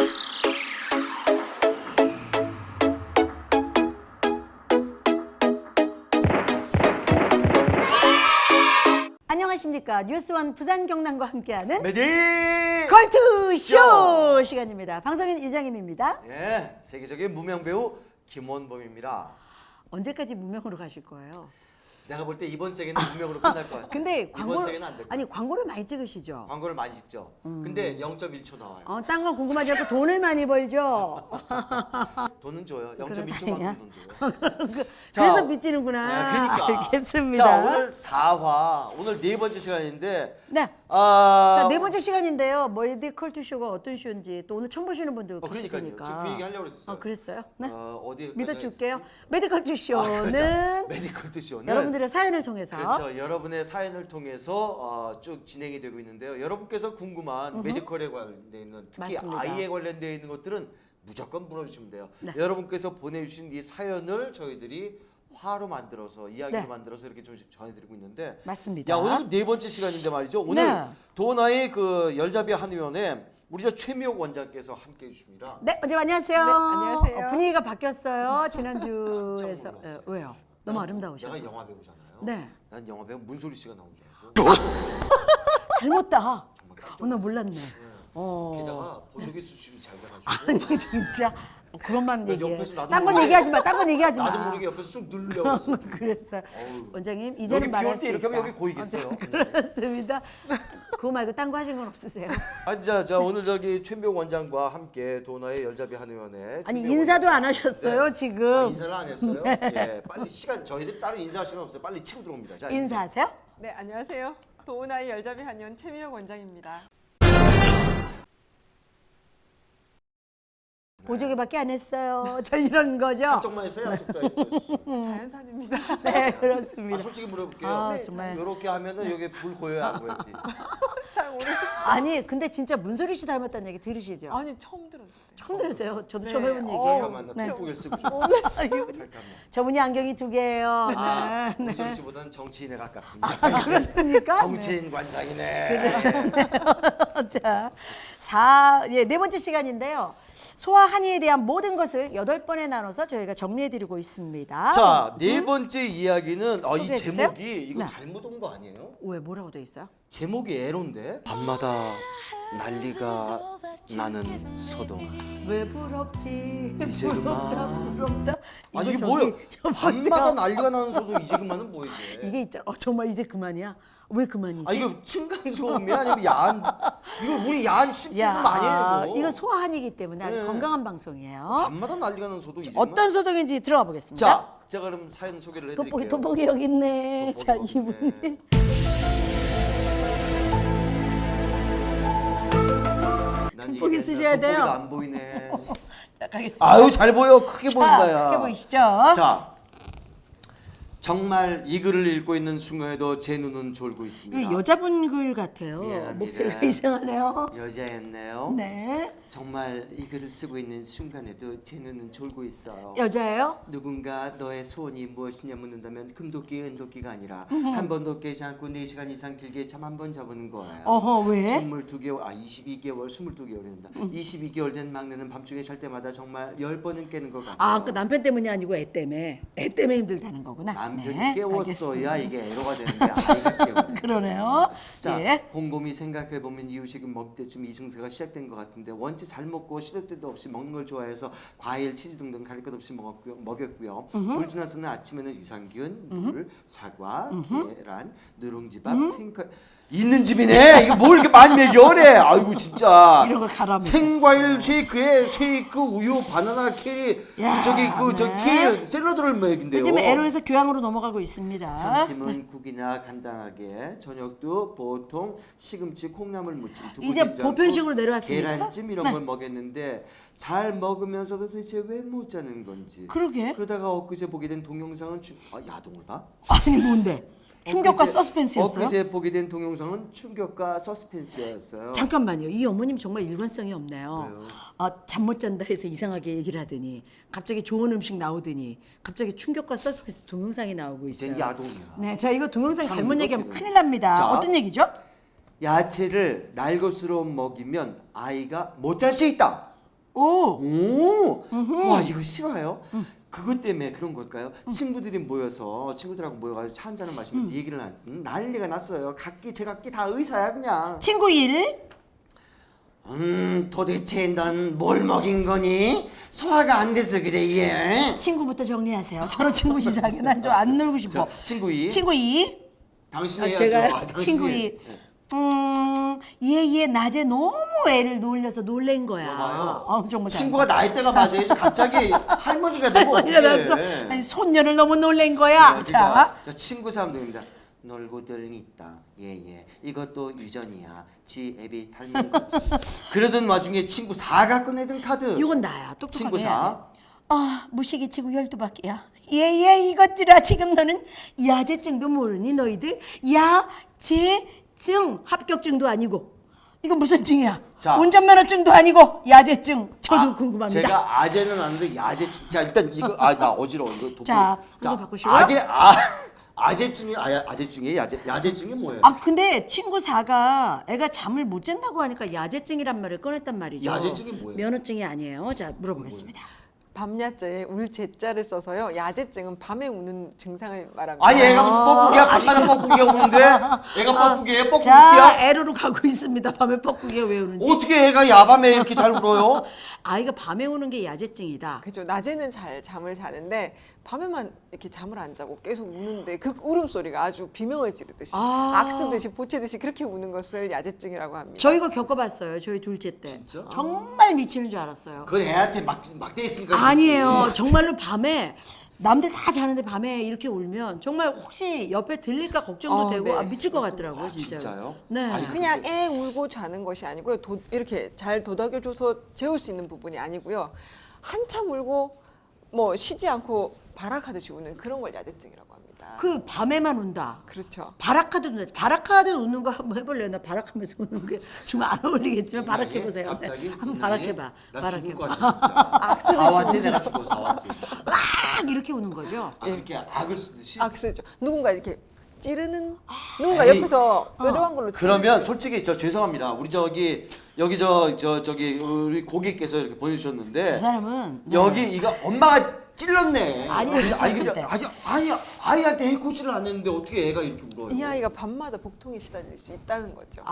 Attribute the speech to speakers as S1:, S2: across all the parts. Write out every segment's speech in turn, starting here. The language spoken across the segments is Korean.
S1: 안녕하십니까. 뉴스원 부산 경남과 함께하는
S2: 메디
S1: 걸투쇼 시간입니다. 방송인 유정임입니다.
S2: 예, 세계적인 무명 배우 김원범입니다.
S1: 언제까지 무명으로 가실 거예요?
S2: 내가 볼 때 이번 세계는 무명으로 끝날 것 같아.
S1: 근데
S2: 이번
S1: 광고를
S2: 세계는 안 될 거야.
S1: 아니 광고를 많이 찍으시죠?
S2: 광고를 많이 찍죠. 근데 0.1초 나와요.
S1: 딴 건 궁금하지 않고 돈을 많이 벌죠.
S2: 돈은 줘요.
S1: 그러네요.
S2: 0.1초만큼 돈 줘요.
S1: 그래서 빚지는구나.
S2: 그러니까.
S1: 알겠습니다.
S2: 자, 오늘 4화, 오늘 네 번째 시간인데
S1: 네.
S2: 아,
S1: 자, 네 번째 시간인데요. 메디 컬투쇼가 어떤 쇼인지 또 오늘 처음 보시는 분들 계실
S2: 그러니까요.
S1: 테니까.
S2: 지금 그 얘기 하려고 그랬어요.
S1: 그랬어요? 네.
S2: 어디
S1: 믿어줄게요. 메디 컬투쇼는
S2: 그렇죠. 메디컬 쇼는
S1: 여러분들의 사연을 통해서
S2: 그렇죠. 여러분의 사연을 통해서 쭉 진행이 되고 있는데요. 여러분께서 궁금한 메디컬에 관련돼 있는 특히
S1: 맞습니다.
S2: 아이에 관련돼 있는 것들은 무조건 물어주시면 돼요.
S1: 네.
S2: 여러분께서 보내주신 이 사연을 저희들이 화로 만들어서 이야기로
S1: 네.
S2: 만들어서 이렇게 좀 전해드리고 있는데
S1: 맞습니다.
S2: 야, 오늘 네 번째 시간인데 말이죠. 오늘
S1: 네.
S2: 도나의 그 열자비 한의원에 우리 저 최미옥 원장께서 함께 해주십니다.
S1: 네, 원장님 안녕하세요.
S3: 네, 안녕하세요.
S1: 분위기가 바뀌었어요. 지난주에서.
S2: 깜짝 놀랐어요.
S1: 왜요? 너무 아름다우셔서.
S2: 내가 영화 배우잖아요.
S1: 네.
S2: 난 영화 배우 문소리 씨가 나온 줄 알고.
S1: 닮았다.
S2: 정말 깜짝
S1: 나 몰랐네.
S2: 게다가 보조개 수술이 잘 돼가지고
S1: 아니 진짜 그것만
S2: 나
S1: 얘기해.
S2: 옆에서 나도
S1: 딴 건
S2: 모르게-
S1: 얘기하지 마. 딴 건 얘기하지 마.
S2: 나도 모르게 옆에서 쑥 누르려고 했어.
S1: 그랬어요.
S2: 어우.
S1: 원장님
S2: 여기
S1: 이제는
S2: 비
S1: 말할
S2: 올
S1: 수
S2: 때 이렇게
S1: 있다.
S2: 하면 여기 고이겠어요.
S1: 그렇습니다. 그거 말고 딴 거 하신 건 없으세요?
S2: 자 오늘 저기 최미옥 원장과 함께 도나의 열자비 한의원에
S1: 아니
S2: 최미옥
S1: 인사도
S2: 원장-
S1: 안 하셨어요
S2: 네.
S1: 지금.
S2: 인사를 안 했어요. 예, 빨리 시간 저희들이 다른 인사할 시간 없어요. 빨리 치고 들어옵니다. 자,
S1: 인사하세요?
S3: 네, 안녕하세요. 도우나이 열자비 한의원 최미혁 원장입니다.
S1: 보조개밖에 안 했어요. 저 이런 거죠.
S2: 한쪽만 했어요. 한쪽도 했어요.
S3: 자연산입니다.
S1: 네 그렇습니다.
S2: 솔직히 물어볼게요.
S1: 아,
S3: 네,
S1: 정말.
S2: 이렇게 하면은 여기 불 보여야 안 보여야지.
S3: 잘 모르겠어요.
S1: 아니 근데 진짜 문소리 씨 닮았다는 얘기 들으시죠?
S3: 아니, 처음 들었어요.
S1: 처음 들으세요. 저도
S3: 네.
S1: 처음 해본
S3: 어,
S1: 얘기예요.
S2: 잠깐만 나 뒷고개를 쓰고
S1: 아이고,
S2: 잠깐만.
S1: 저분이 안경이 두 개예요. 네.
S2: 문소리 씨보다는 정치인에 가깝습니다.
S1: 그렇습니까?
S2: 정치인 관상이네.
S1: 자, 네 번째 시간인데요. 소아 한의에 대한 모든 것을 8번에 나눠서 저희가 정리해드리고 있습니다.
S2: 자, 네 번째 이야기는 이
S1: 소개해 주세요.
S2: 제목이 이거
S1: 네.
S2: 잘못 온 거 아니에요?
S1: 왜 뭐라고 돼 있어요?
S2: 제목이 에로인데 밤마다 난리가 나는 소동아.
S1: 왜 부럽지?
S2: 이제 그만.
S1: 부럽다.
S2: 아
S1: 이거
S2: 이게
S1: 저기
S2: 뭐예요?
S1: 여보세요?
S2: 밤마다 난리가 나는 소동 이제 그만은 뭐예요?
S1: 이게 있잖아. 정말 이제 그만이야? 왜 그만이지?
S2: 아 이거 층간소음이 아니면 야한 이거 우리 야한 식품 아니에요
S1: 이거 소아 한의이기 때문에 아주
S2: 네.
S1: 건강한 방송이에요.
S2: 밤마다 난리가 나는 소동 이제
S1: 어떤
S2: 그만.
S1: 소동인지 들어가 보겠습니다.
S2: 자 제가 그럼 사연 소개를 해드릴게요.
S1: 돋보기 여기 있네.
S2: 돋보기
S1: 자,
S2: 여기
S1: 이분이.
S2: 있네. 난
S1: 돋보기
S2: 이게
S1: 쓰셔야 돼요.
S2: 돋보기도 안 보이네.
S1: 자, 가겠습니다.
S2: 아유 잘 보여 크게 보인다 야.
S1: 크게 보이시죠?
S2: 자 정말 이 글을 읽고 있는 순간에도 제 눈은 졸고 있습니다.
S1: 이거 여자분 글 같아요.
S2: 미안합니다.
S1: 목소리가 이상하네요.
S2: 여자였네요.
S1: 네.
S2: 정말 이 글을 쓰고 있는 순간에도 제 눈은 졸고 있어요.
S1: 여자예요?
S2: 누군가 너의 소원이 무엇이냐 묻는다면 금도끼 은도끼가 아니라 한 번도 깨지 않고 4시간 이상 길게 잠 한 번 자보는 거예요.
S1: 어허, 왜?
S2: 22개월 22개월 22개월 된다. 22개월 된 막내는 밤중에 잘 때마다 정말 10번은 깨는 것 같아요.
S1: 아, 그 남편 때문이 아니고 애 때문에. 애 때문에 힘들다는 거구나.
S2: 남편이
S1: 네,
S2: 깨웠어야
S1: 알겠습니다.
S2: 이게 애로가 되는데 아이가 깨우네.
S1: 그러네요.
S2: 자,
S1: 예.
S2: 곰곰이 생각해보면 이유식은 먹을 때쯤 이승세가 시작된 것 같은데 원체 잘 먹고 시도 때도 없이 먹는 걸 좋아해서 과일, 치즈 등등 가릴 것 없이 먹였고요. 물 지나서는 아침에는 유산균, 물, 사과, 계란, 누룽지밥, 생과일 있는 집이네. 이거 뭘 이렇게 많이 먹여래. 아이고 진짜.
S1: 이런 걸 갈아 먹였어.
S2: 생과일 쉐이크에 쉐이크, 우유, 바나나, 키위,
S1: 야,
S2: 저
S1: 네.
S2: 키위 샐러드를 먹인대요.
S1: 요즘 에로에서 교양으로 넘어가고 있습니다.
S2: 점심은 국이나 간단하게, 저녁도 보통 시금치, 콩나물 무침, 두부
S1: 이제
S2: 된장국,
S1: 보편식으로 내려왔습니다.
S2: 계란찜 이런 걸 먹였는데 잘 먹으면서도 도대체 왜 못 자는 건지.
S1: 그러게.
S2: 그러다가 엊그제 보게 된 동영상은 야동을 봐?
S1: 아니 뭔데? 충격과
S2: 엊그제-
S1: 서스펜스였어요?
S2: 엊그제 보게 된 동영상은 충격과 서스펜스였어요.
S1: 잠깐만요. 이 어머님 정말 일관성이 없네요.
S2: 왜요?
S1: 잠 못 잔다 해서 이상하게 얘기를 하더니 갑자기 좋은 음식 나오더니 갑자기 충격과 서스펜스 동영상이 나오고 있어요.
S2: 이젠 야동이야.
S1: 네, 자 이거 동영상
S2: 참
S1: 잘못 얘기하면
S2: 무겁기는.
S1: 큰일 납니다.
S2: 자.
S1: 어떤 얘기죠?
S2: 야채를 날 것으로 먹이면 아이가 못 잘 수 있다.
S1: 오.
S2: 와 이거 싫어요? 그것 때문에 그런 걸까요? 친구들이 모여서 친구들하고 모여가지고 차 한잔을 마시면서 얘기를 난리가 났어요. 각기 제각기 다 의사야 그냥.
S1: 친구 일.
S2: 도대체 넌 뭘 먹인 거니? 소화가 안 돼서 그래 얘.
S1: 친구부터 정리하세요. 저런 친구 이상해. 난 좀 안 놀고 싶어.
S2: 자, 친구 이.
S1: 친구 이.
S2: 당신이 해야죠.
S1: 제가
S2: 당신이.
S1: 친구 이. 얘 낮에 너무 애를 놀려서 놀란 거야.
S2: 봐요.
S1: 정말
S2: 친구가 나이대가 맞아야지 갑자기 할머니가 되고
S1: 할머니가
S2: 어떡해.
S1: 났어. 아니, 손녀를 너무 놀란 거야.
S2: 네,
S1: 자.
S2: 자 친구 사람들입니다. 놀고들 있다. 예예. 이것도 유전이야. 지 앱이 닮은 거지. 그러던 와중에 친구 4가 꺼내든 카드.
S1: 이건 나야. 똑똑하게.
S2: 친구
S1: 해야
S2: 4.
S1: 돼. 무식이 치고 12바퀴야. 예예 이것들아 지금 너는 야제증도 모르니 너희들 야제증 합격증도 아니고 이건 무슨 증이야?
S2: 자.
S1: 운전면허증도 아니고 야제증 저도 궁금합니다.
S2: 제가 아재는 아는데 야제. 자 일단 이거 나 어지러워 이거 도구.
S1: 자, 이거 바꾸시고요.
S2: 아재증이 아재증이 야제증이 뭐예요?
S1: 근데 친구 4가 애가 잠을 못 잔다고 하니까 야제증이란 말을 꺼냈단 말이죠.
S2: 야제증이 뭐예요?
S1: 면허증이 아니에요. 자 물어보겠습니다.
S3: 밤야자에 울 제자를 써서요. 야제증은 밤에 우는 증상을 말합니다.
S2: 아니 애가 무슨 뻐꾸기야? 밤마다 뻐꾸기가 우는데? 애가 뻐꾸기예요?
S1: 자
S2: 뻐꾸기야?
S1: 애로로 가고 있습니다. 밤에 뻐꾸기가 왜 우는지.
S2: 어떻게 애가 야밤에 이렇게 잘 울어요?
S1: 아이가 밤에 우는 게 야제증이다.
S3: 그죠. 낮에는 잘 잠을 자는데 밤에만 이렇게 잠을 안 자고 계속 우는데 그 울음소리가 아주 비명을 지르듯이 악쓰듯이 보채듯이 그렇게 우는 것을 야제증이라고 합니다.
S1: 저희가 겪어봤어요. 저희 둘째 때.
S2: 진짜?
S1: 정말 미치는 줄 알았어요.
S2: 그건 애한테 막대 있으니까 그렇지.
S1: 아니에요. 정말로 밤에 남들 다 자는데 밤에 이렇게 울면 정말 혹시 옆에 들릴까 걱정도 되고
S3: 네.
S1: 미칠 것 같더라고요. 진짜.
S2: 진짜요?
S1: 네.
S2: 아니,
S3: 그냥 애 울고 자는 것이 아니고요. 이렇게 잘 도닥여줘서 재울 수 있는 부분이 아니고요. 한참 울고 뭐 쉬지 않고 발악하듯이 우는 그런 걸 야제증이라고 합니다.
S1: 그 밤에만 운다.
S3: 그렇죠.
S1: 바라카드 운다. 바라카드 우는 거 한번 해볼래요? 나 바락하면서 우는 게 정말 안 어울리겠지만 바락해보세요.
S2: 갑자기
S1: 한번 바락해봐.
S2: 나 죽을 것
S1: 바락해봐.
S2: 같아 진짜. 4화째 내가 죽어 4화째.
S1: 막 이렇게 우는 거죠.
S2: 그렇게 악을 쓰듯이.
S3: 악쓰죠. 누군가 이렇게 찌르는 누군가
S2: 에이.
S3: 옆에서 뾰족한 걸로
S2: 그러면 솔직히 저 죄송합니다. 우리 여기 저기 우리 고객께서 이렇게 보내주셨는데
S1: 저 사람은
S2: 여기 이거 엄마가 찔렀네.
S1: 아니,
S2: 근데
S1: 찔렀을 때.
S2: 아니 아이한테 해코지를 안 했는데 어떻게 애가 이렇게 울어요?
S3: 이 아이가 밤마다 복통에 시달릴 수 있다는 거죠.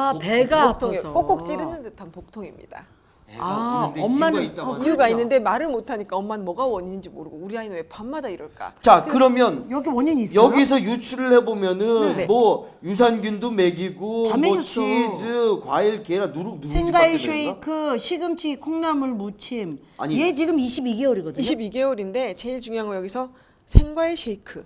S1: 배가
S3: 복통이
S1: 아파서
S3: 꼭꼭 찌르는 듯한 복통입니다.
S2: 애가 우는데
S1: 엄마는-
S2: 이유가 있다고 하죠.
S3: 이유가
S1: 그렇죠.
S3: 있는데 말을 못하니까 엄마는 뭐가 원인인지 모르고 우리 아이는 왜 밤마다 이럴까?
S2: 자 그러면
S1: 여기 원인이 있어요?
S2: 여기서 유출을 해보면은
S3: 네.
S2: 뭐 유산균도 먹이고
S1: 다
S2: 뭐
S1: 먹였어.
S2: 치즈, 과일, 계란, 누룽지
S1: 생과일
S2: 밖에 먹였나?
S1: 쉐이크, 시금치, 콩나물 무침.
S2: 아니.
S1: 얘 지금 22개월이거든요.
S3: 22개월인데 제일 중요한 건 여기서 생과일 쉐이크,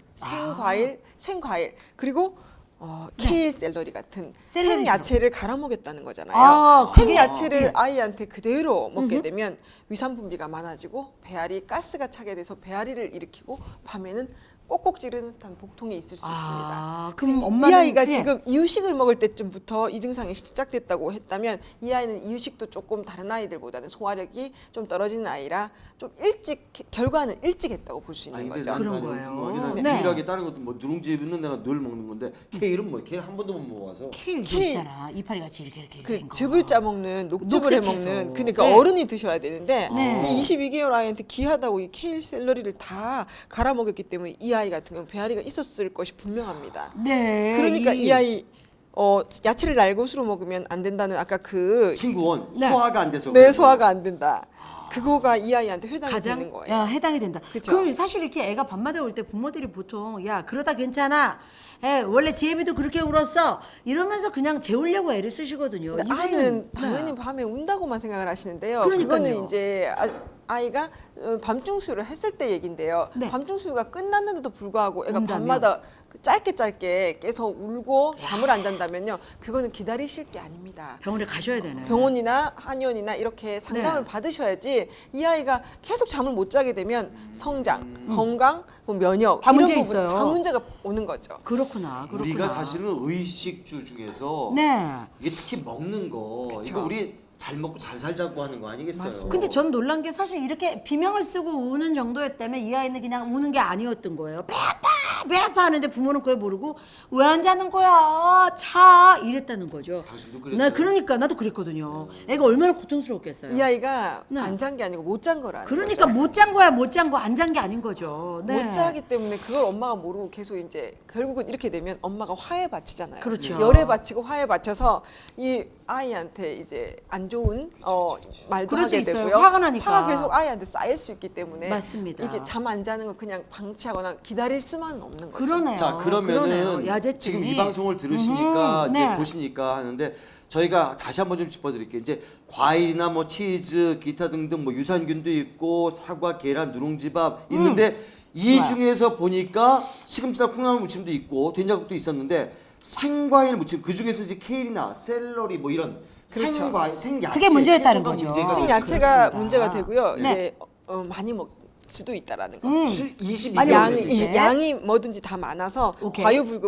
S3: 생과일 그리고 케일 샐러리 같은
S1: 샐러리죠.
S3: 생야채를 갈아 먹였다는 거잖아요.
S1: 그게-
S3: 생야채를 아이한테 그대로 먹게 되면 위산 분비가 많아지고 배앓이 가스가 차게 돼서 배앓이를 일으키고 밤에는 꼭꼭 찌르는 듯한 복통이 있을 수 있습니다.
S1: 그럼
S3: 그래서
S1: 엄마는
S3: 이 아이가
S1: 예.
S3: 지금 이유식을 먹을 때쯤부터 이 증상이 시작됐다고 했다면 이 아이는 이유식도 조금 다른 아이들보다는 소화력이 좀 떨어지는 아이라 좀 일찍 결과는 일찍 했다고 볼 수 있는
S2: 아니 근데
S3: 거죠.
S2: 난
S1: 그런
S2: 아니,
S1: 거예요.
S2: 궁금하긴
S1: 네.
S2: 한데 유일하게 다른 것도 뭐 누룽지는 내가 늘 먹는 건데 케일은 뭐 케일 한 번도 못 먹어서
S1: 케일
S3: 케일.
S1: 있잖아. 이파리 같이 이렇게
S3: 그
S1: 된 거.
S3: 즙을 짜먹는 녹즙을
S1: 녹색
S3: 해먹는
S1: 채소.
S3: 그러니까
S1: 네.
S3: 어른이 드셔야 되는데
S1: 네.
S3: 이 22개월 아이한테 귀하다고 이 케일 샐러리를 다 갈아 먹였기 때문에 이 아이 같은 경우는 배앓이가 있었을 것이 분명합니다.
S1: 네.
S3: 그러니까 이 아이 야채를 날것으로 먹으면 안 된다는 아까 그
S2: 친구원
S1: 네.
S2: 소화가 안 돼서
S3: 내
S2: 그래요.
S3: 소화가 안 된다. 그거가 이 아이한테 해당이
S1: 가장
S3: 되는 거예요.
S1: 해당이 된다.
S3: 그쵸?
S1: 그럼 사실 이렇게 애가 밤마다 올 때 부모들이 보통 야 그러다 괜찮아. 원래 지혜비도 그렇게 울었어. 이러면서 그냥 재우려고 애를 쓰시거든요.
S3: 근데
S1: 이거는-
S3: 아이는
S1: 네.
S3: 당연히 밤에 운다고만 생각을 하시는데요.
S1: 그러니까요.
S3: 그거는 이제 아이가 밤중 수유를 했을 때 얘긴데요.
S1: 네.
S3: 밤중 수유가 끝났는데도 불구하고 애가
S1: 운다면?
S3: 밤마다 짧게 깨서 울고 잠을 안 잔다면요. 그거는 기다리실 게 아닙니다.
S1: 병원에 가셔야 되네.
S3: 병원이나 한의원이나 이렇게 상담을
S1: 네.
S3: 받으셔야지 이 아이가 계속 잠을 못 자게 되면 성장, 건강, 뭐 면역
S1: 다
S3: 이런
S1: 문제
S3: 부분
S1: 있어요.
S3: 다 문제가 오는 거죠.
S1: 그렇구나.
S2: 우리가 사실은 의식주 중에서
S1: 네.
S2: 이게 특히 먹는 거 이거 우리 잘 먹고 잘 살자고 하는 거 아니겠어요?
S3: 맞습니다.
S1: 근데 전 놀란 게 사실 이렇게 비명을 쓰고 우는 정도였다면 이 아이는 그냥 우는 게 아니었던 거예요. 배 아파 하는데 부모는 그걸 모르고 왜 안 자는 거야? 자 이랬다는 거죠.
S2: 당신도 그랬어요?
S1: 그러니까 나도 그랬거든요. 애가 얼마나 고통스럽겠어요.
S3: 이 아이가
S1: 네.
S3: 안 잔 게 아니고 못 잔 거라는
S1: 그러니까
S3: 거죠.
S1: 못 잔 거야, 못 잔 거, 안 잔 게 아닌 거죠. 네.
S3: 못 자기 때문에 그걸 엄마가 모르고 계속 이제 결국은 이렇게 되면 엄마가 화에 바치잖아요.
S1: 그렇죠.
S3: 열에 바치고 화에 바쳐서 이 아이한테 이제 안 좋은 말도
S1: 그럴 수
S3: 하게
S1: 있어요.
S3: 되고요.
S1: 화가 나니까.
S3: 화가 계속 아이한테 쌓일 수 있기 때문에
S1: 맞습니다.
S3: 이게 잠 안 자는 거 그냥 방치하거나 기다릴 수만은 없는 거죠.
S1: 그러네요.
S2: 자 그러면은
S1: 그러네요. 야제증이.
S2: 지금 이 방송을 들으시니까 이제
S1: 네.
S2: 보시니까 하는데 저희가 다시 한번 좀 짚어드릴게요. 이제 과일이나 뭐 치즈, 기타 등등 뭐 유산균도 있고 사과, 계란, 누룽지밥 있는데 이
S1: 좋아요.
S2: 중에서 보니까 시금치나 콩나물 무침도 있고 된장국도 있었는데 생과일 무침 그 중에서 이제 케일이나 샐러리 뭐 이런
S3: 그렇죠.
S2: 생과일, 생야채
S1: 그게 문제였다는
S2: 채소가
S1: 거죠.
S2: 문제가
S3: 생
S2: 됐어요.
S3: 야채가
S1: 그렇습니다.
S3: 문제가 되고요.
S1: 네.
S3: 이제 많이 먹을 수도 있다라는 거.
S2: 22개월
S1: 많이
S3: 양이
S1: 먹을 수 있게.
S3: 양이 뭐든지 다 많아서
S1: 오케이.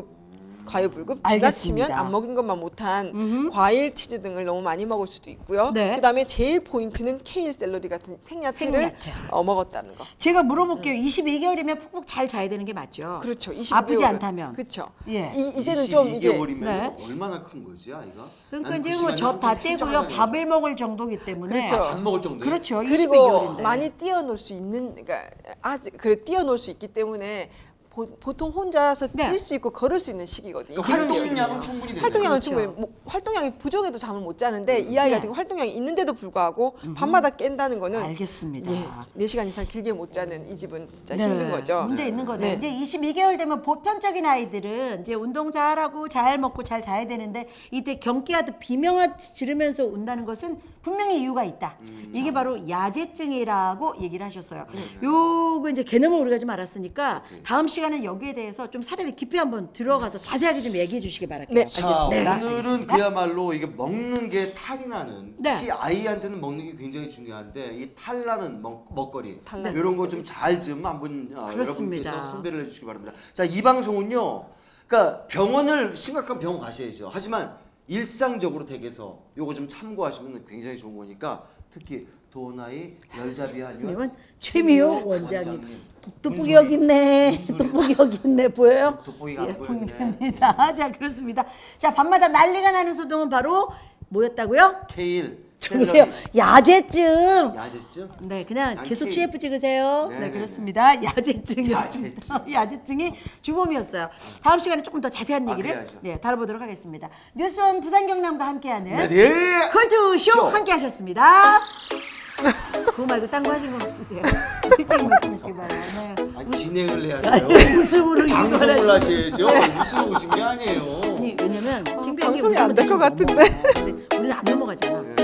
S3: 과유불급
S1: 알겠습니다.
S3: 지나치면 안 먹은 것만 못한 과일, 치즈 등을 너무 많이 먹을 수도 있고요.
S1: 네.
S3: 그다음에 제일 포인트는 케일, 샐러리 같은 생야채를
S1: 생야채.
S3: 먹었다는 거.
S1: 제가 물어볼게요. 22개월이면 푹푹 잘 자야 되는 게 맞죠?
S3: 그렇죠. 22개월은.
S1: 아프지 않다면.
S3: 그렇죠.
S1: 예.
S3: 이제는 좀 이게
S2: 22개월이면
S1: 네.
S2: 얼마나 큰 거지 아이가?
S1: 그러니까
S2: 나는
S1: 이제
S2: 그
S1: 뭐
S2: 시간이
S1: 젖 다
S2: 좀
S1: 떼고요.
S2: 훌쩍하다는
S1: 밥을 먹을 정도기 때문에.
S3: 그렇죠.
S2: 밥 먹을 정도.
S1: 그렇죠.
S3: 그리고
S1: 22개월인데.
S3: 많이 뛰어놀 수 있는 그러니까 아직 그래 뛰어놀 수 있기 때문에 보통 혼자서
S1: 네.
S3: 뛸 수 있고 걸을 수 있는 시기거든요.
S2: 활동량은 충분히 되네요.
S3: 활동량은
S1: 그렇죠.
S3: 충분히 활동량이 부족해도 잠을 못 자는데 이 아이
S1: 네.
S3: 같은 경우 활동량이 있는데도 불구하고 밤마다 깬다는 거는
S1: 알겠습니다.
S3: 4시간 이상 길게 못 자는 이 집은 진짜
S1: 네,
S3: 힘든 거죠.
S1: 문제 있는 거네요.
S3: 네.
S1: 이제 22개월 되면 보편적인 아이들은 이제 운동 잘하고 잘 먹고 잘 자야 되는데 이때 경기하듯 비명을 지르면서 운다는 것은 분명히 이유가 있다. 이게 바로 야제증이라고 얘기를 하셨어요. 요거 이제 개념을 우리가 좀 알았으니까 다음 시간에 여기에 대해서 좀 사례를 깊이 한번 들어가서 자세하게 좀 얘기해 주시기 바랄게요.
S3: 네.
S2: 자,
S1: 알겠습니다.
S2: 오늘은
S1: 알겠습니다.
S2: 그야말로 이게 먹는 게 탈이 나는
S1: 네.
S2: 특히 아이한테는 먹는 게 굉장히 중요한데 이 탈나는 먹거리
S3: 탈나는
S2: 이런 거 좀 잘 좀 한번
S1: 그렇습니다.
S2: 여러분께서 선별을 해주시기 바랍니다. 자, 이 방송은요, 그러니까 병원을 심각한 병원 가셔야죠. 하지만 일상적으로 댁에서 요거 좀 참고하시면 굉장히 좋은 거니까 특히 도나이 열자비 한의원
S1: 이건 최미호 원장님. 돋보기 여기 있네. 돋보기 여기 있네. 보여요?
S2: 돋보기가 안
S1: 예,
S2: 보이네.
S1: 보입니다. 자, 그렇습니다. 자, 밤마다 난리가 나는 소동은 바로 뭐였다고요?
S2: 케일,
S1: 보세요.
S2: 샐러리,
S1: 야제증.
S2: 야제증.
S1: 네, 그냥
S2: 난
S1: 계속
S2: 케일.
S1: CF 찍으세요. 네,
S2: 네네네.
S1: 그렇습니다. 야제증이었습니다. 야제증이 주범이었어요. 다음 시간에 조금 더 자세한 얘기를
S2: 그래야죠.
S1: 네, 다뤄보도록 하겠습니다. 뉴스원 부산 경남과 함께하는
S2: 네.
S1: 컬투쇼
S2: 쇼.
S1: 함께하셨습니다. 그거 말고 딴 거 하신 거 없으세요? 일찍 말씀하시기 바라요. 네.
S2: 아니, 진행을 해야 돼요.
S1: 웃음으로
S2: 방송을
S1: 이거를
S2: 하셔야죠. 뉴스로 오신 게 아니에요.
S1: 아니, 왜냐면 창피한 게
S3: 방송이 안 될 것
S1: 웃음으로
S3: 같은데.
S1: 우리는 안 넘어가잖아.